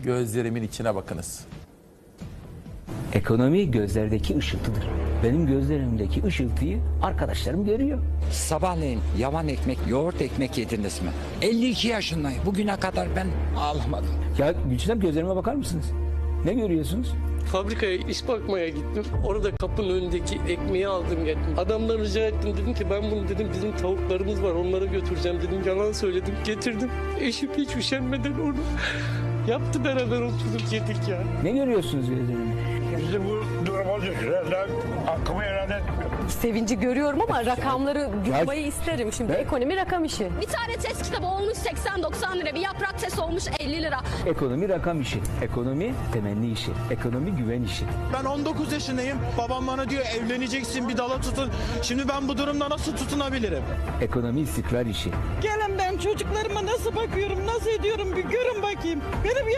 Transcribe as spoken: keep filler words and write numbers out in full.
Gözlerimin içine bakınız. Ekonomi gözlerdeki ışıltıdır. Benim gözlerimdeki ışıltıyı arkadaşlarım görüyor. Sabahleyin yavan ekmek, yoğurt ekmek yediniz mi? elli iki yaşındayım. Bugüne kadar ben ağlamadım. Ya Gülçinem, gözlerime bakar mısınız? Ne görüyorsunuz? Fabrikaya iş bakmaya gittim. Orada kapının önündeki ekmeği aldım geldim. Adamdan rica ettim, dedim ki ben bunu dedim bizim tavuklarımız var onlara götüreceğim dedim. Yalan söyledim, getirdim. Eşim hiç üşenmeden onu yaptı, beraber oturduk yedik ya. Ne görüyorsunuz gözlerimde? Bizi bu durum olacak. Herhalde hakkımı helal etmiyor. Sevinci görüyorum ama rakamları duymayı isterim şimdi. Ben- Ekonomi rakam işi. Bir tane test kitabı olmuş seksen doksan lira. Bir yaprak test olmuş elli lira. Ekonomi rakam işi. Ekonomi temenni işi. Ekonomi güven işi. Ben on dokuz yaşındayım. Babam bana diyor evleneceksin, bir dala tutun. Şimdi ben bu durumda nasıl tutunabilirim? Ekonomi istikrar işi. Gelin ben çocuklarıma nasıl bakıyorum, nasıl ediyorum bir görün bakayım. Benim